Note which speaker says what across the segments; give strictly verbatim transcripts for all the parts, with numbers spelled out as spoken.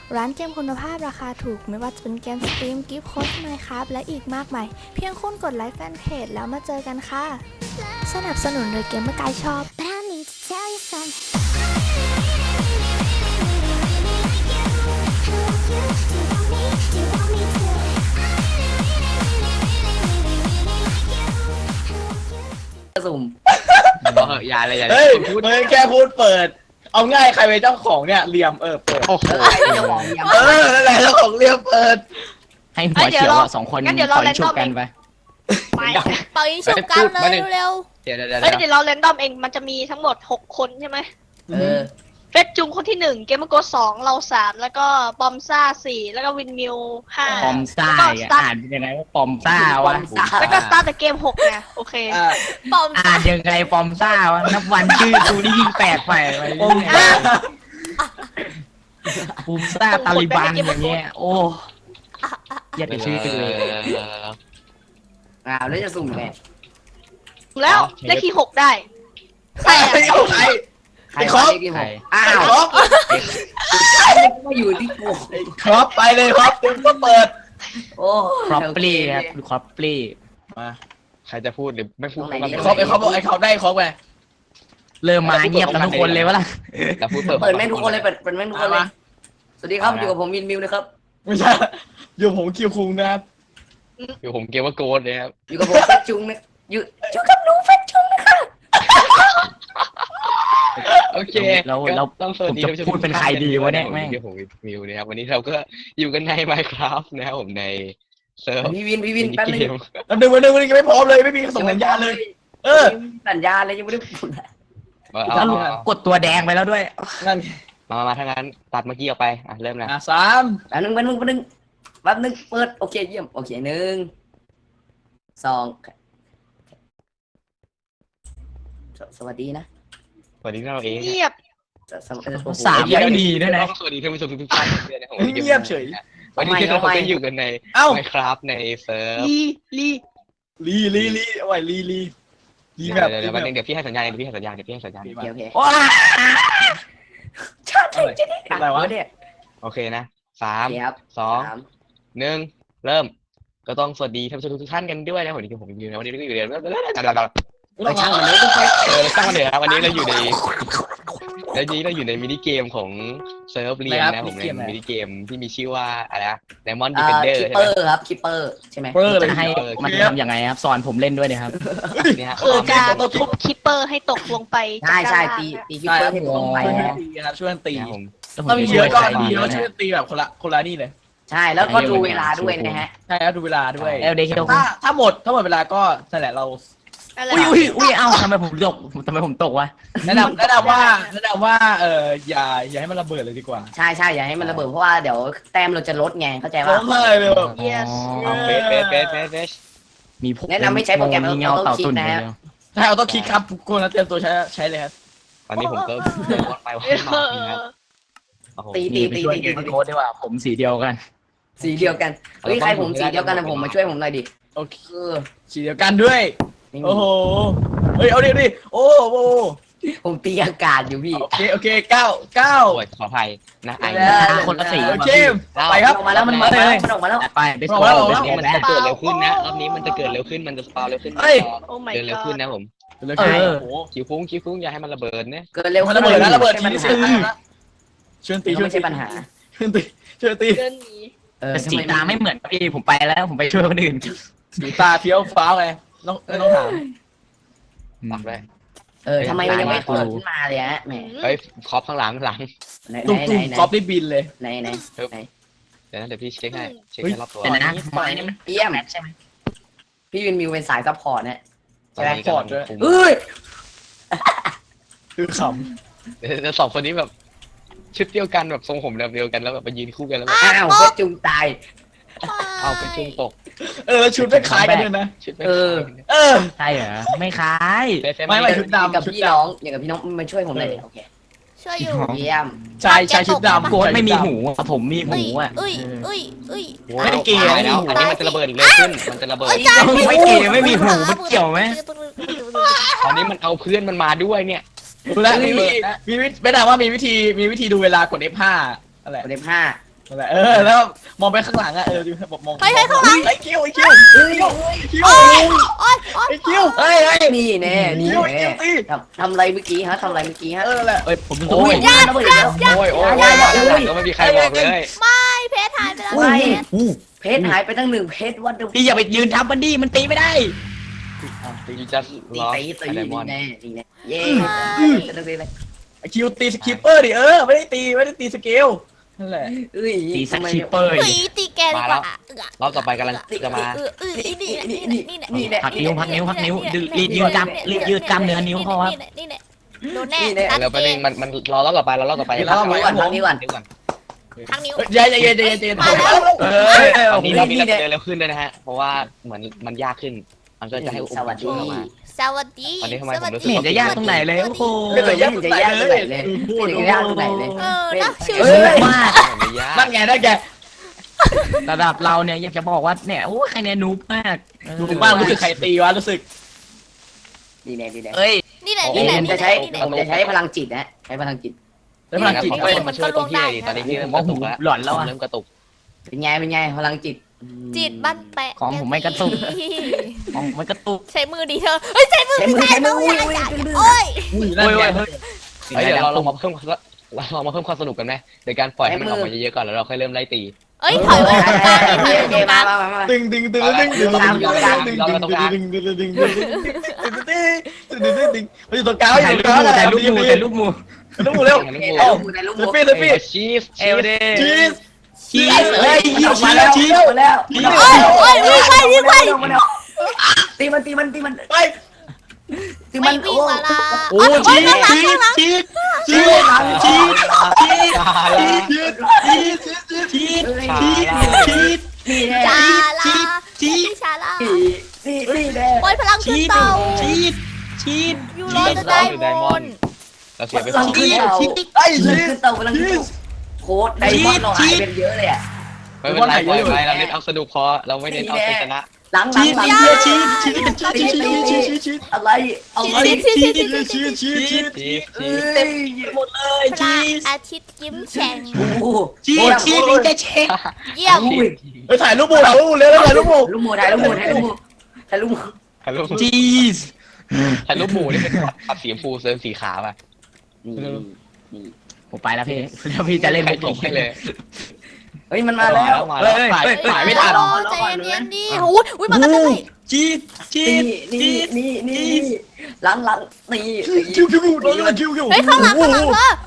Speaker 1: ร้านเกมคุณภาพราคาถูกไม่ว่าจะเป็นเกมสตรีมกิฟต์โค้ดไมค์ครับและอีกมากมายเพียงคุณกดไลค์แฟนเพจแล้วมาเจอกันค่ะสนับสนุนโดยเกมเมอร์ไกด์ช็อป
Speaker 2: But I need to tell you something. Do you want me? Do you want me to?
Speaker 3: สุ่ม
Speaker 4: บอกเหอะอย่าเลยอย่าเล
Speaker 5: เฮ้
Speaker 4: ย
Speaker 5: ย
Speaker 4: พูด
Speaker 5: มึงแค่พูดเปิด เอาง่ายใครเป็นเจ้าของเนี่ยเหลี่ยมเออเปิด
Speaker 4: โอ้โห
Speaker 3: ใครเป็นเจ้าของยำ
Speaker 5: เออนั่นแหละเจ้าของเหลี่ยมเปิด
Speaker 6: ให้หัวเขียวอะสองคน
Speaker 7: งั้นเดี๋ยวเรา
Speaker 6: ปล่อยฉุบ
Speaker 7: random
Speaker 6: กันไป
Speaker 7: ไป
Speaker 1: เป่ายิงฉุบกันเลยเร็ว
Speaker 4: เดี๋ยวเดี๋ยวเดี๋ยว
Speaker 7: เอ้ยเดี๋ยวเราเรนดอมเองมันจะมีทั้งหมดหกคนใช่ไหม
Speaker 3: เออ
Speaker 7: เฟสจุงคนที่หนึ่งเกมเมอร์โกสองเราสามแล้วก็บอมซ่าสี่แล้วก็วินมิวห้า
Speaker 6: ปอมซ่า
Speaker 7: แล้วก็
Speaker 6: อ่ะ
Speaker 7: Start
Speaker 6: อ่านยังไงว่าปอมซ่าวะ
Speaker 7: แล้วก็สตาร์ทเกมหกไงโอเค
Speaker 5: อ่า
Speaker 1: ๆปอม
Speaker 6: อ่านยังไงปอมซ่าวะนับวันชื่อกูนี่ยิ่งแปลกไปไป
Speaker 5: ปอม
Speaker 6: เรื่อย
Speaker 5: ซ่า
Speaker 6: ปอมซ่าตาลิบันอย่างเงี้ยโอ้อย่าไปชื่อเลย
Speaker 3: อ้าวแล้วจะสุ่มไง
Speaker 7: แล้วเลขที่หกได้ใคร
Speaker 5: ใคร
Speaker 7: อะ
Speaker 5: เอาใคร
Speaker 3: ใคร
Speaker 5: ไอ้คร
Speaker 3: วะ
Speaker 5: บ
Speaker 3: เลขที่หกอ้า
Speaker 5: ไอ้
Speaker 3: ว
Speaker 5: ครบ
Speaker 3: ก็อยู่ที่กู
Speaker 5: ไอ้ครบไปเลยครับเต็มก็เปิด
Speaker 3: โอ้
Speaker 6: ครอปปลี่ครับครอปปลี่
Speaker 5: มา
Speaker 4: ใครจะพูดหรือไม่พูด
Speaker 5: ไอ้ครบไอ้ครบบอกไอ้ครบได้ครบไง
Speaker 6: เริ่มมาเงียบกันทุกคนเลยวะล่ะ
Speaker 4: เราพูดเปิด
Speaker 3: เปิดแม่งทุกคนเลยเปิดเปิดแม่งทุกคนเลย สวัสดีครับอยู่กับผมมินมิวนะครับ
Speaker 5: ไม่ใช่อยู่ผมคิวคุงนะครับ
Speaker 4: อยู่ผมเกมว่าโกดเลยครับ
Speaker 3: อยู่กับผมเฟซจุงนะอยู่อยู่กับหนูเฟซจุงนะคะ
Speaker 4: โอเค
Speaker 6: แล้วแล้ว
Speaker 4: ต้องสวัสดี
Speaker 6: ผมจะพูดเป็นใครดีวะเนี่ยแม่ง
Speaker 4: เดี๋ยวผมมิวนะครับวันนี้เราก็อยู่กันใน Minecraft นะครับผมในเซิร์ฟ
Speaker 3: พี่วินพี่วินแป๊บนึง
Speaker 5: แล้วดึงมาดึงมาดึงยังไม่พร้อมเลยไม่มีส่งสัญญาณเลย เออ
Speaker 3: สัญญาณเลยยังไม่ได้พูด
Speaker 4: เอา
Speaker 6: แล้ว
Speaker 4: เอาเอา
Speaker 6: กดตัวแดงไปแล้วด้วย
Speaker 5: นั่น
Speaker 4: มามามาถ้างั้นตัดเมื่อกี้ออกไปอ่ะเริ่มนะ
Speaker 5: อ่ะสาม
Speaker 3: แป๊บนึงแป๊บนึงแป๊บนึงแป๊บนึงเปิดโอเคเยี่ยมโอเคหนึ่งสองสสวัสดีนะ
Speaker 4: สวัสดีเราเอง
Speaker 7: เงียบ
Speaker 3: สสสโอ้โห
Speaker 6: สามยังไม่ดีด้วยนะ
Speaker 4: ต้องสวัสดีท่านผู้ชมทุกท่านด้วยนะครับผม
Speaker 5: เงียบเฉย
Speaker 4: วันนี้เราก็อยู่กันใน
Speaker 5: เอ้า
Speaker 4: Minecraft ในเซิร์ฟ
Speaker 7: ลีลี
Speaker 5: ลีลีลีเอาไว้ลีลีลี
Speaker 4: เดี๋
Speaker 5: แบ
Speaker 4: ยว
Speaker 5: บ
Speaker 4: เดี๋ยวเดี๋ยววันนึงเดี๋ยวพี่ให้สัญญาณเดี๋ยวพี่ให้สัญญาณเดี๋ยวพี่ให้สัญญาณ
Speaker 3: โอเคโอเค
Speaker 6: ว้า
Speaker 3: ชาติไทยจะได้
Speaker 5: อะไรวะ
Speaker 3: เนี่ย
Speaker 4: โอเคนะสาม
Speaker 3: โอเคครับ
Speaker 4: สอง
Speaker 3: สาม
Speaker 4: หนึ่งเริ่มก็ต้องสวัสดีท่านผู้ชมทุกท่านกันด้วยนะวันนี้ผมอยู่นะวันนี้เราอยู่ใน
Speaker 3: ไปช่างมันเลยต้องไป
Speaker 4: เออตั้งมาเลยครับวันนี้เราอยู่ในวันนี้เราอยู่ในมินิเกมของเซิร์ฟเรียนนะผมในมินิเกมที่มีชื่อว่าอะไรนะ Diamond
Speaker 3: อ่า
Speaker 4: Defender
Speaker 3: คิป
Speaker 4: ใช่
Speaker 3: เป
Speaker 4: ไหม
Speaker 3: อร์ครับคิปเปอร์ใช่ไหม
Speaker 5: เปอร์เลย
Speaker 6: จะให้มันทำยังไงครับสอนผมเล่นด้วยนะครับ
Speaker 4: เนี่ยฮะ
Speaker 7: คือการทุบคิปเปอร์ให้ตกลงไป
Speaker 3: ใช่ใช่
Speaker 7: จาก
Speaker 3: ตี
Speaker 7: ด้านล่าง
Speaker 3: ตีคิปเปอร์ให้ตกลงไป
Speaker 5: ช่วย
Speaker 3: นะ
Speaker 5: ตีครับช่วยตี
Speaker 4: นะผม
Speaker 5: ถ้ามีเยอะก็ดี
Speaker 6: แล้
Speaker 5: แล้ว วช่วยตีแบบคนละคนละนี่เลย
Speaker 3: ใช่แล้วก็ดูเวลาด้วยนะฮะ
Speaker 5: ใช่ครับดูเวลาด้วย
Speaker 6: เอลเดคิว
Speaker 5: ถ้าถ้าหมดถ้าหมดเวลาก็นั่นแหละเรา
Speaker 7: อะไร
Speaker 6: อุ้ยอุ้ยอุ้ยเอ้าทำไมผมตกทำไมผมตกวะ
Speaker 5: แนะนำแนะนำว่าแนะนำว่าเอออย่าอย่าให้มันระเบิดเลยดีกว่า
Speaker 3: ใช่ใช่อย่าให้มันระเบิดเพราะว่าเดี๋ยวแต้มเราจะลดไงเข้าใจ
Speaker 5: ร้
Speaker 3: ว่า
Speaker 5: องไห้เลยแบบ
Speaker 7: เยส
Speaker 4: เอาเฟสเฟสเฟสเฟสเฟส
Speaker 6: มีพวก
Speaker 3: แนะนำไม่ใช้โปรแกรม
Speaker 6: มีเงาเต่าตุ่น
Speaker 3: นะ
Speaker 6: เดี
Speaker 3: ฮะ
Speaker 6: ยว
Speaker 5: ใช่เอาต้องคิดครับคนละเตรียมตัวใช้ใช้เลยครับ
Speaker 4: ตอนนี้ผมก็เดินวนไปวน
Speaker 7: เอ
Speaker 4: มา
Speaker 7: อ
Speaker 4: นะครับโอ้โห
Speaker 3: ตี
Speaker 6: นี่
Speaker 3: ตี
Speaker 6: ไป
Speaker 3: ตี
Speaker 6: ช่วย
Speaker 3: ตี
Speaker 6: เก
Speaker 3: ตี
Speaker 6: มโค้ดดีกว่าผมสีเดียวกัน
Speaker 3: สีเดียวกันเฮ้ยใครผมสีเดียวกันนะผมมาช่วยผมหน่อยดิ
Speaker 5: โอเค
Speaker 3: เออ
Speaker 5: สีเดียวกันด้วย
Speaker 3: นี่
Speaker 5: โอ้โหเฮ้ยเอาดิดิโอ้โห
Speaker 3: ผมตีอากาศอยู่พี่
Speaker 5: โอเคโอเคเก้าเก้า
Speaker 4: โอ้ยขออภัยนะไอ้
Speaker 3: ได้
Speaker 6: คนละสี
Speaker 5: โอเคไปครับ
Speaker 3: ออกมาแล้วมันมาแล้วมันออกมาแล้ว
Speaker 6: ไปไป
Speaker 5: บอกแล้วบอกแล้ว
Speaker 4: รอบนี้มันจะเกิดเร็วขึ้นนะรอบนี้มันจะเกิดเร็วขึ้นมันจะสปาเร็วขึ้น
Speaker 5: เฮ้ย
Speaker 7: โอ้ my
Speaker 4: เดินเร็วขึ้น
Speaker 7: god
Speaker 4: นะผม
Speaker 5: เหลยโอ้โห
Speaker 4: คิวฟุ้งคิวฟุ้งอย่าให้มันระเบิดนะ
Speaker 3: เกิดเร็ว
Speaker 5: มันระเบิดนะระเบิดที
Speaker 3: ไม่
Speaker 5: นี้
Speaker 3: ใช่
Speaker 5: เสีย
Speaker 3: ปัญ
Speaker 5: ตัง
Speaker 3: หา
Speaker 5: ค์นะช่วยตีช่วย
Speaker 3: ไม่
Speaker 5: ตี
Speaker 3: ใช่ปัญหา
Speaker 5: ช่วยตีช่วยตี
Speaker 7: เดินหนี
Speaker 3: เออ
Speaker 6: แต่
Speaker 3: ทำ
Speaker 6: สี
Speaker 3: ไม
Speaker 6: ตาไม่เหมือนพี่ผมไปแล้วผมไปช่วยคนอื่น
Speaker 5: สีตาเฟี้ยวฟ้าวไงต้องต้องถาม
Speaker 4: ตัดไว้
Speaker 3: เออทำไมมันยังไม่เปิดขึ้นมาเลยฮะแหม
Speaker 4: เฮ้ยคอปข้างหลังข้างหลัง
Speaker 3: ไหน
Speaker 5: ตุ้ม
Speaker 3: ไหน
Speaker 5: ตุ้ม
Speaker 3: ไหน
Speaker 5: กอล์ฟได้บินเลย
Speaker 3: ไหนไหนไหน
Speaker 4: เดี๋ยวนะเดี๋ยวพี่เช็คให้เช็ค
Speaker 5: เฮ้ย
Speaker 4: ให้รอบตัว
Speaker 6: แต่นะไม้นี่มัน
Speaker 3: เยี่ยม
Speaker 6: ใช่ไหม
Speaker 3: พี่วินมิวเป็นสายซัพพอร์ตเนี่ย
Speaker 4: ตอนนี้กำลังคุม
Speaker 3: เอ้ย
Speaker 5: คือข
Speaker 4: เดี๋ยวแล้วสองคนนี้แบบชุดเดียวกันแบบทรงผมแบบเดียวกันแล้วแบบมายืนคู่กันแล้วแบบ
Speaker 3: อ้าวเพื่อจุงตาย
Speaker 4: เอาเป็นจุงปก
Speaker 5: ำเออชุดไม่คล้ายกันด้วยนะ
Speaker 4: ชุดไม่
Speaker 3: เออ
Speaker 5: เออ
Speaker 6: ใช่เหรอไม่คล้าย
Speaker 4: เฟซเฟซ
Speaker 5: ไม่ไม่ ชุดดำ
Speaker 3: กับพี่น้องอย่างกับพี่น้องมาช่วยผมหน่อยดิโอเค
Speaker 1: ช่วยอยู่
Speaker 3: เยี่ยม
Speaker 5: ชายชายชุดดำ
Speaker 6: โค้ดไม่มีหูอะผมมีหู
Speaker 1: อุ้ย
Speaker 6: อ่ะ
Speaker 1: อุ้ยอุ้ยอุ้ย
Speaker 5: ไม่ได้เกย์
Speaker 4: ไม่แล้วอันนี้มันจะระเบิดเร็วขึ้นมันจะระเบิด
Speaker 6: ไม่เกย์ไม่มีหูมันเกี่ยวไหม
Speaker 4: ตอนนี้มันเอาเพื่อนมันมาด้วยเนี่ย
Speaker 5: ดูแลวมีวิธีมีวิธีไม่ได้ว่ามีวิธีมีวิธีดูเวลากด เอฟ ห้าอะไร
Speaker 3: กดเลขห้า
Speaker 5: นั่นแหละเออแล้วมองไปข้างหลังอะเออบอกมอง
Speaker 1: เฮ้ยเฮ้ยข้างหลัง
Speaker 5: ไอ้คิวไอ้คิว
Speaker 3: เอ้ย
Speaker 5: คิว
Speaker 1: โอ๊ยโอ๊ย
Speaker 5: ไอ้คิว
Speaker 3: เฮ้ยเฮ้ยนี่แน่นี่
Speaker 5: คิว
Speaker 3: แน่
Speaker 5: คิวตี
Speaker 3: ทำทำอะไรเมื่อกี้ฮะทำอะไรเมื่อกี้ฮะ
Speaker 5: เออแหละ
Speaker 6: เอ้ยผมเป็น
Speaker 4: โอ้ย
Speaker 3: ยากยากยาก
Speaker 4: โอ้ยโอ้ยโอ้ยมาด้านหลังก็ไม่มีใครบอกเลย
Speaker 1: ไม่เพชรหายไปแล้ว
Speaker 3: ไม่
Speaker 1: เพชร
Speaker 3: เพชรหายไปตั้งหนึ่งเพชรวันเดียว
Speaker 6: พี่อย่าไปยืนทับมันดิมันตีไม่ได้
Speaker 4: ยูจัส
Speaker 3: ตี
Speaker 4: ล็อก
Speaker 3: ตีตี
Speaker 4: ไดมอนด์
Speaker 3: แน่ตีแน่เย้ตีตีเลย
Speaker 5: ไอ้คิวตีสกิปเปอร์ดิเออไม่ได้ตีไม่ได้ตีสเกลนั่นแหละ
Speaker 3: เอ้ย
Speaker 6: ตีสัก
Speaker 3: ทำไม
Speaker 6: คิปเปอร์
Speaker 1: เฮ้ยตีแกดีกว่า
Speaker 4: รอบต่อไปกำลังจะมา
Speaker 1: เออเออนี่แหละนี่แหละนี่แหละ
Speaker 6: พักนิ้วพักนิ้วพักนิ้วดึงรีดยืดกล้ามรีดยืดกล้ามเนื้อนิ้วเขาครับ
Speaker 1: นี่แหละโดนแน่
Speaker 4: แล้วประเด็นมันมันรอรอบต่อไปรอรอบต่อไป
Speaker 3: เดี๋ยวเราก่อนทางนี้ก่อน
Speaker 4: เดี๋ยวก่อน
Speaker 1: ทางนิ้ว
Speaker 5: ใจเย็นใจเย็นใจเย็น
Speaker 1: มาแล้ว
Speaker 5: เออเออ
Speaker 4: ตอนนี้เรามี
Speaker 3: นี่
Speaker 4: เร็
Speaker 3: เนี่ย
Speaker 4: วเร็วขึ้นด้วยนะฮะเพราะว่าเหมือนมันยากขึ้นมันก็จะให้อุปกรณ์ช่วยเรามา
Speaker 1: สวัสดี
Speaker 4: วันนี้ทำไมผมรู้สึ
Speaker 6: ไม่เห็นจะยากตรงไหนเลยโอ้โห
Speaker 3: ไม่เคยยากจะยากตรงไหนเลยไม่เคยยากตรงไหนเลย
Speaker 1: เออนะชิว
Speaker 5: เออ
Speaker 6: มาก
Speaker 4: ไม่ยาก
Speaker 5: นั่นไงนั่นไง
Speaker 6: ระดับเราเนี่ยอยากจะบอกว่าเนี่ยโอ้ใครเนี่ยนูบมาก
Speaker 5: รู้บ้างรู้สึกใครตีวะรู้สึก
Speaker 3: ดีแน่ดีแน่
Speaker 6: เอ้ย
Speaker 1: นี่แหละ
Speaker 3: นี่
Speaker 1: นี่แหละ
Speaker 3: ผม
Speaker 1: นี่
Speaker 3: จะ
Speaker 1: แห
Speaker 3: ใช้
Speaker 1: ละนี่แหละ
Speaker 3: ผมจะใช้พลังจิตนะใช้พลังจิต
Speaker 5: แล้วพลังจิต
Speaker 4: ขอ
Speaker 5: ไป
Speaker 4: คนมาช่วยตรงที่ไหนดีตอนนี้ที่เริ่มกระตุกแล้ว
Speaker 6: หลอนแล้วอะ
Speaker 4: เริ่มกระตุก
Speaker 3: เป็นไงเป็นไงพลังจิต
Speaker 1: จิตบ้านแปะ
Speaker 6: ของผมไม่กระตุก ของมันกระตุก
Speaker 1: ใช้มือดีเธอเฮ้ยใช้มือ
Speaker 3: ใช้มือใช้มืออุ้ยอุ้ย
Speaker 1: โอ้ย
Speaker 5: อุ้ยนั่นไง
Speaker 4: เฮ้ยเดี๋ยวเราลองมาเพิ่มเราลองมาเพิ่มความสนุกกันไหมโดยการปล่อยให้มันออกมาเยอะๆก่อนแล้วเราค่อยเริ่มไล่ตี
Speaker 1: เอ้ยถอยไปตรงกลางนี่ถอยไปตรงก
Speaker 3: มา
Speaker 1: ลาง
Speaker 3: มามา
Speaker 5: ตึงตึงตึงตึงตึงตึงตึงตึงตึงตึงตึงตึงตึงตึงตึงตึงตึงตึงตึงไปอยู่ตรงกลางอ
Speaker 6: ถ่าย
Speaker 5: ยู่
Speaker 6: รู
Speaker 5: ตรง
Speaker 6: ป
Speaker 5: กลาง
Speaker 6: หมู่ถ่ายรูปหมู่ถ่ายรูปหมู่
Speaker 5: ลูกหมูเร็ว
Speaker 3: เอ้าในลูก
Speaker 5: เซฟฟี่เซฟฟี่
Speaker 4: ชีส
Speaker 6: เอลเด
Speaker 5: ชีส
Speaker 6: ชีส
Speaker 3: เฮ้
Speaker 6: เอ้
Speaker 3: ย
Speaker 6: ย
Speaker 3: ออกมาแล้วชีสมาแล้ว
Speaker 1: โอ้ยโอ้ยวิ่งไปวิ่งไป
Speaker 3: ตีมันตีมันตีมัน
Speaker 5: ไป
Speaker 3: ตี
Speaker 1: ไม่
Speaker 3: มัน
Speaker 1: วิ่งมาละ
Speaker 6: โอ้ชีสชีสชีสชีสชีสชีส
Speaker 4: ชาละ
Speaker 5: ชีสชีสชีส
Speaker 6: ชีสชีส
Speaker 3: นี่แน่
Speaker 1: ชาลา
Speaker 6: ชีส
Speaker 1: ชาลา
Speaker 3: นี่นี่แน่
Speaker 1: โอ้ยพลังขึ้น
Speaker 6: ชีส
Speaker 1: เต่า
Speaker 6: ชีสชีส
Speaker 1: ยูโรจะได้มน
Speaker 4: เราเสียไป
Speaker 3: พ
Speaker 4: ส
Speaker 3: ลั
Speaker 4: อง ง
Speaker 3: ขึ้นเต่า
Speaker 5: ไอ้
Speaker 3: พลัง
Speaker 5: ชี
Speaker 3: ขึ้
Speaker 5: ส
Speaker 3: นเต่าพลังขึ้นโค้ดไดมอนด์เราหายเป็นเยอะเลยอ่ะ
Speaker 4: ไม่เป็นไรปล่อยไปเราเล่นเอาสนุกพอเราไม่เน้นเอาชนะ
Speaker 3: หลังหลังหลัง
Speaker 5: ชีสชีสชีสชีสชีสชีสชีส
Speaker 3: อะไรอะไร
Speaker 5: ชีสชีสชีสชีสชีส
Speaker 4: ชีส
Speaker 3: เอ้
Speaker 4: ชีส
Speaker 3: ย
Speaker 6: หมดเลย
Speaker 1: พระ
Speaker 6: ชีส
Speaker 1: อาทิตย์ยิ้มแฉ่ง
Speaker 3: โอ้โห
Speaker 6: ชีสชีสจะเช็ค
Speaker 1: เยี่ยม
Speaker 5: ไปถ่ายรูปหมูถ่ายรูปเร็วถ่ายรูปหมู
Speaker 3: ลูกหมูถ่ายลูกหมูถ่ายลูกหมูถ่ายลูกหมู
Speaker 4: ถ่ายรูป
Speaker 6: ชีส
Speaker 4: ถ่ายรูปหมูนี่เป็นขับสีชมพูเสริมสีขาวอ่ะ
Speaker 3: นี่นี่
Speaker 6: ผมไปแล้วพี่แล้วพี่จะเล่น
Speaker 4: ใคร
Speaker 6: มุก
Speaker 4: ตกให้เลย
Speaker 3: เฮ้ยมันมาแล้ว
Speaker 4: มา
Speaker 6: เฮ้
Speaker 4: แล้ว
Speaker 6: ยเฮ้ยถ่ายไม่ทัน
Speaker 1: โอ้ใจเย็นๆดิโอ้ยอุ้ยมากันเลย
Speaker 6: ชีสชี
Speaker 3: นี่
Speaker 6: ส
Speaker 3: นี่นี่นี่หลังหลังนี่
Speaker 5: คิวคิวคิวคิวคิวคิว
Speaker 1: เฮ้ยข้างหลังข้างหลังเธอ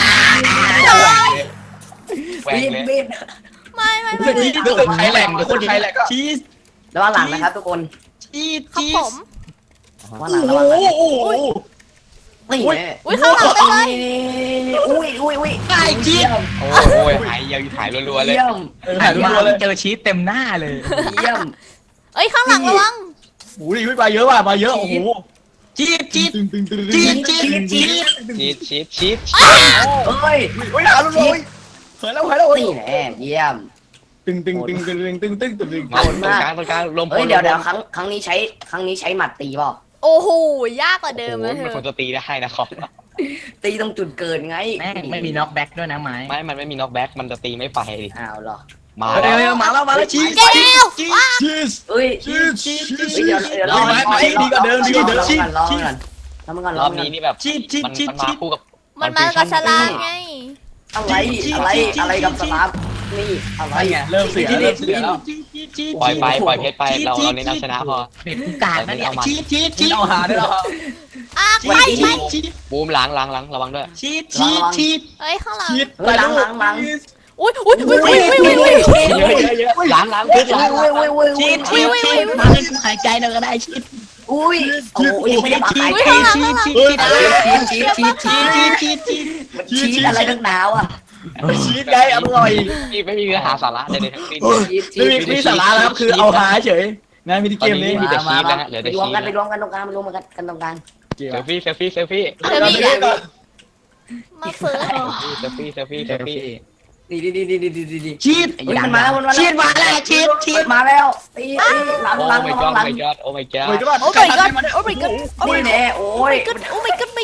Speaker 4: แหวก
Speaker 3: บีด
Speaker 4: เลย
Speaker 3: บีด
Speaker 1: ไม่ไม่
Speaker 5: รู้สึ
Speaker 1: ไม่
Speaker 5: กรู้สึกใครแหลกรู้สึกใครแหลกก็
Speaker 6: ชีส
Speaker 3: ระวังหลังนะครับทุกคน
Speaker 6: ชีส
Speaker 1: ครับ
Speaker 6: ชี
Speaker 1: ผ
Speaker 6: ส
Speaker 1: ม
Speaker 3: ระวังหลัง
Speaker 5: โอ้
Speaker 3: ระวังหลัง
Speaker 5: โหโอ้โห
Speaker 3: นี่
Speaker 1: อุ้ยข้างหลังไปเลย
Speaker 3: นี่อุ้ยอุ้ยอุ้ย
Speaker 6: ไก่ชีส
Speaker 4: โอ้โหหายยังหายรัวๆเลย
Speaker 3: เยี่ยม
Speaker 5: ถ่ายรูปเลย
Speaker 6: เจอชีสเต็มหน้าเลย
Speaker 3: เยี่ยม
Speaker 1: เอ้ยข้างหลังระวัง
Speaker 5: โอ้ยมาเยอะว่ะมาเยอะโอ้โห
Speaker 6: ชีสชีส
Speaker 5: ตึงตึงตึง
Speaker 6: ชี
Speaker 5: ตึ
Speaker 6: ส
Speaker 5: ง
Speaker 6: ชีสชีส
Speaker 4: ชีสชีสชีส
Speaker 3: เฮ้ย
Speaker 5: โอ้ยหาลูกเลยเฮ้ยแล้วเฮ้ยแล้ว
Speaker 3: นี่แน่เยี่ยม
Speaker 5: ตึงตึงตึงตึงตึงตึงตึงตึง
Speaker 4: มาตรงกลางตรงกลางลมพ
Speaker 3: เฮ้ยเดี๋ยวเดี๋ยวครั้งครั้งนี้ใช้ครั้งนี้ใช้หมัดตีเปล่า
Speaker 1: โอ้โหยากกว่าเดิม
Speaker 4: มั
Speaker 1: นะ
Speaker 4: น
Speaker 1: เธ
Speaker 4: ควร
Speaker 1: อ
Speaker 4: จะตีได้นะครับ
Speaker 3: ตีตรงจุดเกิดไง
Speaker 6: แม่งไม่มีน็อกแบ็กด้วยนะไม้
Speaker 4: ไม่ มันไม่มีน็อกแบ็กมันจะตีไม่ไปดิ
Speaker 3: อ้าวเหรอ
Speaker 4: มา
Speaker 6: เฮ้ย
Speaker 4: แล้ว
Speaker 6: เฮ้ยมาแล้วมาแล้วชีส
Speaker 1: แก้ว
Speaker 6: ชีส
Speaker 5: ชีส
Speaker 3: เอ้ย
Speaker 5: ชีสชีสชีส
Speaker 3: เดี๋ยวเดี๋ยวรอ
Speaker 5: ไม้ไม้ดีกว่าเดิมดีกว่าเดิมชีส
Speaker 3: รอ
Speaker 5: ชีส
Speaker 3: ก่อนรอก่อน
Speaker 4: รอบนี้นี่แบบ
Speaker 6: ชีสชีส
Speaker 4: มัน
Speaker 6: ชีส
Speaker 4: มันมา
Speaker 6: ชีส
Speaker 4: คู่กับ
Speaker 1: มันมากับฉลามไง
Speaker 3: อะไรอะไรอะไรกับสลามนี่อะไร
Speaker 5: เริ่มเสียเริ่มเสียแล้ว
Speaker 4: ปล่อยไปปล่อยเพชรไปเราเราเน้นเอาชนะพอ
Speaker 6: เป็ดกากนะเนี่ยชีสชีสชีส
Speaker 5: เอาหาได้หรอ
Speaker 1: อ่ะไป
Speaker 6: ชี
Speaker 1: ไป
Speaker 6: สชีส
Speaker 4: บูมล้างล้างล้างระวังด้วย
Speaker 6: ชีสชีสชีส
Speaker 1: เอ้ยข้างหลัง
Speaker 5: ชีส
Speaker 3: เฮ้ยหลังหลังหลัง
Speaker 1: อุ้ยอุ้ยอุ้ยอุ้ยอุ้ยอุ้ย
Speaker 5: เยอะเยอะเยอะ
Speaker 4: ล้างล้างเพชรล้าง
Speaker 3: อุ้ยอุ้ยอุ้ย
Speaker 6: ชี
Speaker 3: อุ้ย
Speaker 6: สชีสชีสมาให้กูหายใจหน่อยก็ได้ชีส
Speaker 3: อุ้ยโอ้ยไม่ได้ปาก
Speaker 6: ชี
Speaker 3: หาย
Speaker 6: ส
Speaker 3: ใจ
Speaker 6: ชีสชีสชีส
Speaker 3: ชีสชีสชีสชีส
Speaker 6: ชีสชีสชีส
Speaker 3: ชีสอะไรตั้งหนาวอ่ะ
Speaker 5: ชีสไงอร่อย
Speaker 4: นี่ไม่มีเนื้อหาสาระใดๆทั้งสิ้น
Speaker 3: ชีสชี
Speaker 5: ไม่
Speaker 3: ส
Speaker 5: มีมีสาระแล้วครับคือเอาหาเฉยนะมินิ
Speaker 4: ต
Speaker 5: เก
Speaker 4: อน
Speaker 5: ม
Speaker 4: นี้
Speaker 5: นี้
Speaker 4: มีแต่ชีสนะฮะเหลือ
Speaker 3: ไป
Speaker 4: แต่
Speaker 3: รวม
Speaker 4: ชี
Speaker 3: กัน
Speaker 4: ส
Speaker 3: ไปรวมกันตรงกลางไปรวมกันกันตรงกลาง
Speaker 4: เซลฟี่เซลฟี่เซลฟี่
Speaker 1: เธอมีอ่ะมาเฟิร์ส
Speaker 4: เซลฟี่เซลฟี่เซลฟี่
Speaker 3: ดีดีดีดีดีดีดี
Speaker 6: ชีส
Speaker 3: เฮ้ยมันมาแล้วมันมาแล้ว
Speaker 6: ชีสมาแล้วชีสชีส
Speaker 3: มาแล้วตีตีหลัง
Speaker 4: โอ้
Speaker 3: หลัง
Speaker 4: my
Speaker 3: หลั
Speaker 4: god
Speaker 3: งหลัง
Speaker 4: my god โอ้ my god
Speaker 5: โอ้ยก็ว่า
Speaker 1: โอ้ my god โอ้ my god โอ้ my
Speaker 3: นี่
Speaker 1: god
Speaker 3: แน่โอ้ย
Speaker 1: โอ้ my god โอ้ my god ไม่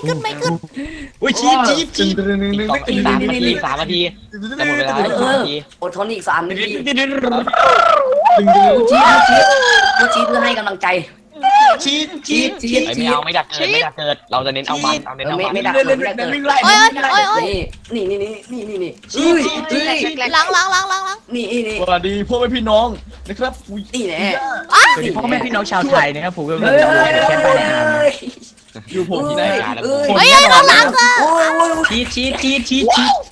Speaker 1: ขึ้นไม่ขึ้น
Speaker 6: อุ้ยชีดชีดชีด
Speaker 4: อีกสองอีกสามนาทีอีกสามนาทีจะหมดเวลา
Speaker 3: เอ
Speaker 4: แล้วสาม
Speaker 3: อ
Speaker 4: นาที
Speaker 3: อดทนอีกสามนาที
Speaker 6: ดึงดึง
Speaker 3: กูชี้กูชี้กูชี้เพื่อให้กำลังใจ
Speaker 6: ชีดชีดชีด
Speaker 4: ไอ้ไม่เอาไม่ดักเกิดไม่ดักเกิดเราจะเน้นเอามันเอาเน้น
Speaker 3: เออ
Speaker 4: เอา
Speaker 3: ไม่
Speaker 4: มัน
Speaker 3: ไม่ดัก
Speaker 6: เล่น
Speaker 3: เล
Speaker 6: เล่
Speaker 3: ย
Speaker 6: น
Speaker 3: ไม่ดัก
Speaker 6: เล่น
Speaker 3: เลย
Speaker 6: วิ่งไล่
Speaker 1: โอ้ยโอ้ยโอ้ย
Speaker 3: นี่นี่นี่นี่นี่นี่
Speaker 6: ชีดชีดชีด
Speaker 7: แรก
Speaker 1: ล้างล้างล้างล้างล้าง
Speaker 3: นี่นี่
Speaker 6: สวัสดีพ่อแม่พี่น้องนะครับอุ้ย
Speaker 3: นี่แน่
Speaker 6: สวัสดีพ่อแม่พี่น้องชาวไทยนะครับผมก็
Speaker 3: เฮ้ยเฮ้ย
Speaker 6: แค่ไปในอาร์ม
Speaker 3: เฮ้ย
Speaker 6: อยู่ผมที่ไหน
Speaker 3: เฮ้ย
Speaker 1: เฮ้ยเฮ้ยข้างหลังอ่ะ
Speaker 3: โอ้ยโอ้ย
Speaker 6: ชีดชีดชีดชีดชีด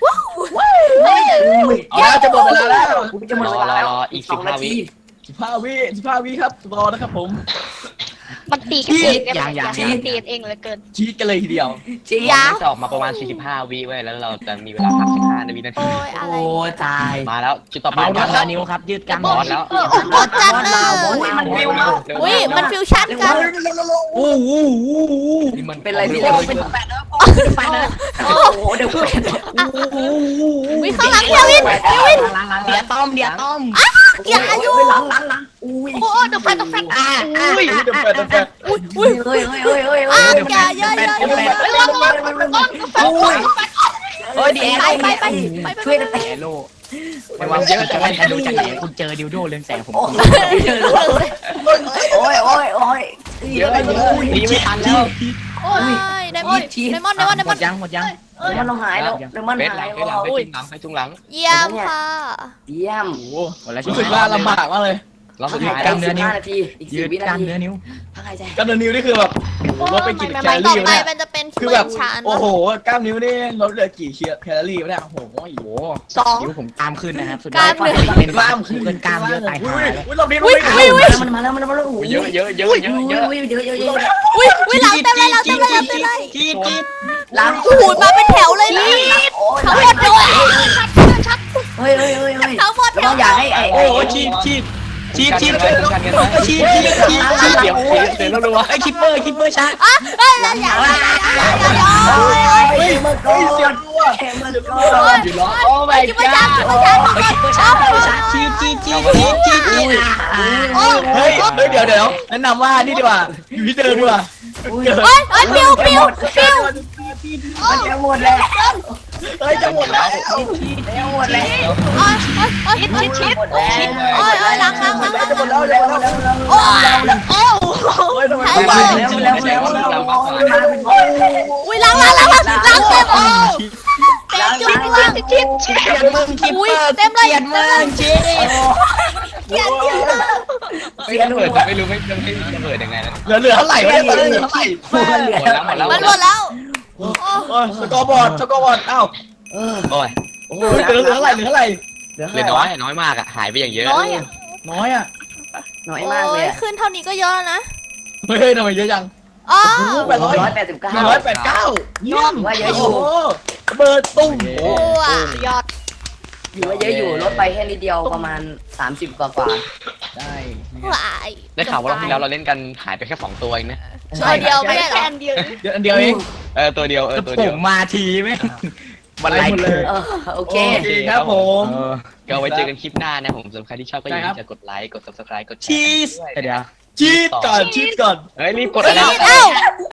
Speaker 5: เอาแล้วจะหมดเวลาแล้ว
Speaker 3: กูจะหมดเวลาแล้ว
Speaker 4: อีกสิบห้าวิ
Speaker 6: สิบห้าวิสิบห้าวิครับรอนะครับผม
Speaker 7: มันตีกันเองเนี่ยมันตีกันเองเหลือเกิน
Speaker 6: ชีดกันเลยทีเดียว
Speaker 3: จริง
Speaker 1: ยา
Speaker 4: จะออกมาประมาณสี่สิบห้าวิไว้แล้วเราจะมีเวลาพักสิบห้าวินาที
Speaker 1: โอ้ยอะไร
Speaker 6: โอ้ตาย
Speaker 4: มาแล้วจุดต่อไป
Speaker 6: เอา
Speaker 4: มา
Speaker 6: ดั
Speaker 4: แล้ว
Speaker 6: นิ้วครับยืดกล้าม
Speaker 4: บอสแล้ว
Speaker 1: กดจัดเลย
Speaker 3: อุ้ยมันฟิวมาก
Speaker 1: อุ้ยมันฟิวชั่นกัน
Speaker 6: โอ้โห
Speaker 4: นี่มัน
Speaker 3: เป็นอะไรพี่เล็กเป็นแปดแล้วไปแล้วโอ้โหเดี๋ยว
Speaker 1: วิข้างหลังเควินเควิน
Speaker 6: เดี๋ยวต้อมเดี๋ยวต้อม
Speaker 3: อย่าอยู่หลังหลังหลังอุ้ย
Speaker 7: โอ้เดอะแฟนเดอะแฟนอ่ะ
Speaker 6: อุ้ยเดี๋ยวแปดเดี๋ยวแปด
Speaker 1: อุ้ยอุ้ย
Speaker 3: เฮ้ยเฮ้ยเฮ้ยเฮ้ย
Speaker 1: อ่ะ
Speaker 3: เฮ้ย
Speaker 1: อย่าอย่าอย่าอย่า
Speaker 7: เฮ้ยระวังระวัง
Speaker 3: อุ้ยเฮ้ยดี
Speaker 1: ไปไปไปไป
Speaker 3: ช่วยกันแต่
Speaker 6: แอโร่ไม่ว่าเยอะจะได้ดูจากไหนคุณเจอดิวโดเรื่องแสงผม
Speaker 3: โอ้ยโอ้ยโอ้ยโอ้ย
Speaker 4: เยอะเยอะหนีไม่ทันแล้ว
Speaker 1: โอ้ยไดมอนไดมอนไดมอนได
Speaker 6: ห
Speaker 1: ม
Speaker 6: ม
Speaker 1: อน
Speaker 6: ดยังหมดยัง
Speaker 3: มันเราหายแล้วเดี๋ยวมัน
Speaker 4: เบสห
Speaker 3: หา
Speaker 4: ลั
Speaker 3: ย
Speaker 4: งเบสหลังไปจุงหลังไปจุงหลัง
Speaker 1: เยี่ยมค่ะ
Speaker 3: เยี่ยม
Speaker 6: โอ้โหหมดแล้ว
Speaker 5: รู้สึกว่าลำบากมากเลย
Speaker 4: เราสุดท้าย
Speaker 3: กล้ามเนื้อนิ้วนาทีอีก
Speaker 6: ยื
Speaker 3: สี่
Speaker 6: ด
Speaker 3: วิ
Speaker 6: ก
Speaker 3: นา
Speaker 6: ล้าม
Speaker 3: ที
Speaker 6: เนื้อนิ้ว
Speaker 3: พักหายใจ
Speaker 5: กล้ามเนื้อนิ้วนี่คือแบบลดไปกี่แคลอ
Speaker 1: ต่อ
Speaker 5: รี่
Speaker 1: ไป
Speaker 5: เนี่ย
Speaker 1: มันจะเป็น
Speaker 5: คือ
Speaker 1: เฟิ
Speaker 5: แบบ
Speaker 1: ร์ชาน
Speaker 5: โอ้โหกล้ามนิ้วนี่ลดเหลือกี่แคลอรี่วะเนี่ยโอ้โห
Speaker 6: โอ้โห
Speaker 7: สอง
Speaker 6: นิ้วผมกล้ามขึ้นนะครับสุด
Speaker 5: เป็นกล้ามขึ้น
Speaker 6: เกินกล้ามเยอะตายหา
Speaker 5: อุ้ย
Speaker 6: แล้ว
Speaker 5: อุ้ยเราดิ้น
Speaker 1: อุ้ย
Speaker 5: ไม่
Speaker 1: อุ้ย
Speaker 5: ได้
Speaker 1: อุ้ย
Speaker 3: มันมาแล้วมันมาแล้วโอ้ย
Speaker 4: เยอะเยอะเยอะเยอะเยอะ
Speaker 3: เยอะเยอะเยอะเยอะ
Speaker 1: อุ้ยอุ้ยหลังเต็มเลยหลังเต็มเลยหลังเต็มเลย
Speaker 6: จีดจีด
Speaker 3: หลัง
Speaker 1: โอ้โหมาเป็นแถวเลยนี่
Speaker 3: โอ้ย
Speaker 1: ทั้งหมดเลย
Speaker 3: เฮ้ยเฮ้ยเฮ้ยเฮ้ย
Speaker 1: ทั้งหมด
Speaker 3: ต้องอยากให้ไอ้
Speaker 6: โอ้โหชีดชีดชีดชีดชีดชีดชีดชีด
Speaker 4: เดี๋ยวเดี๋ยวเราดูว่า
Speaker 6: ไอ้คิปเปอร์คิปเปอร์ชา
Speaker 1: อ่ะเฮ้ยอย่าอย่าอย่าอย่าอย่า
Speaker 3: เฮ้ยมันก็เสียด้วยมันก็
Speaker 5: อยู่ล้อโอ้ my
Speaker 1: คิดว่าชา
Speaker 5: god
Speaker 1: คิดว่าชาคิดว่าชา
Speaker 6: ชีดชีดชีดชีดชีดชีด
Speaker 5: เฮ้ยเฮ้ยเดี๋ยวเดี๋ยวแนะนำว่านี่ดีกว่าอยู่ที่เดิมดีกว่า
Speaker 3: อุ้ย
Speaker 1: เฮ้ยเฮ้ยปิวปิวปิว
Speaker 3: มันจะหมดแล้ว
Speaker 5: เฮ้ยจะหมดแล้ว
Speaker 3: จะหมดแล้ว
Speaker 1: โอ้ยโอ้ยโอ้ย
Speaker 7: ชิดชิด
Speaker 3: หมดแล้ว
Speaker 1: โอ้ยโอ้ยหลังหลังหลังหลัง
Speaker 5: จะหมดแล้วจะหมดแล้ว
Speaker 1: โอ้ย
Speaker 7: โอ้
Speaker 5: เฮ้ยทำไม
Speaker 3: แล้วแล้วแล้วแล้ว
Speaker 1: อุ้ยหลังหลังหลังหลังหลังเต็มโอ้เต็มจุดว่าง
Speaker 7: ชิดชิดชิด
Speaker 6: เกียดมึงคิป
Speaker 1: อุ้
Speaker 6: เป
Speaker 1: ย
Speaker 6: อร์
Speaker 1: เต็มเลย
Speaker 6: เกียดมึงชีด
Speaker 1: เกียดเกียด
Speaker 4: ไม่ระเบิดไม่รู้ไม่ไม่ระเบิดยังไงนะ
Speaker 5: เหลือเหลือเท่าไหร่วะเนี่ยตอนนี้เหลือเท่าไหร่
Speaker 4: หมดแล้วหมดแล้ว
Speaker 1: มันหมดแล้ว
Speaker 5: โอ้ยสกอร์บอร์ดสกอร์บอร์ดอ้าว
Speaker 3: เออ
Speaker 4: โอ้ย
Speaker 3: โอ้
Speaker 5: เหลือเหลือเท่าไหร่เหลือเท่าไหร่
Speaker 3: เหลือ
Speaker 4: เหลือน้อยน้อยมากอ่ะหายไปอย่างเยอะ
Speaker 7: น้อยอ่ะ
Speaker 5: น้อยอ่ะ
Speaker 3: น้อยมากเลย
Speaker 1: ขึ้นเท่านี้ก็เยอะแล้วนะ
Speaker 5: เฮ้ยทำไมเยอะจัง
Speaker 1: อ๋อ
Speaker 5: แปดร้อย
Speaker 3: ร้อยแปดสิบเก้า
Speaker 5: หนึ่งร้อยแปดเก้าเยี่ยม
Speaker 3: ว่าเยอะอยู่
Speaker 5: โอ้โหเบิร์ดตุ้ม
Speaker 1: โอ้อะ
Speaker 7: ยอด
Speaker 3: อยู่ว่าเยอะอยู่ลดไปแค่นิดเดียวประมาณสามสิบกว่ากว่า
Speaker 5: ได้
Speaker 1: หลาย
Speaker 4: ได้ข่าวว่ารอบที่แล้วเราเล่นกันหายไปแค่สองตัวเองนะ
Speaker 1: ตัวเดียวไม่ได้หร
Speaker 7: แค่
Speaker 1: อ
Speaker 7: อันเดียว
Speaker 5: เดี๋ยวอันเดียวเอง
Speaker 4: เออตัวเดียวเออตัว
Speaker 6: ผ
Speaker 4: เดียว
Speaker 6: มมาทีไหมวันไร
Speaker 5: หมดเลย
Speaker 3: เออโอเค
Speaker 5: โอเคครับผม
Speaker 4: ก็ไว้เจอกันคลิปหน้านะผมสำหรับใครที่ชอบก็อย่าลืมจะกดไลค์กด ซับสไครบ์ กดแช
Speaker 6: ชี
Speaker 4: ร์
Speaker 6: สเดี๋ยว
Speaker 5: ชีดก่อนชีดก่อน
Speaker 4: เฮ้ยรีบกดอะไรนะ
Speaker 1: เอ้า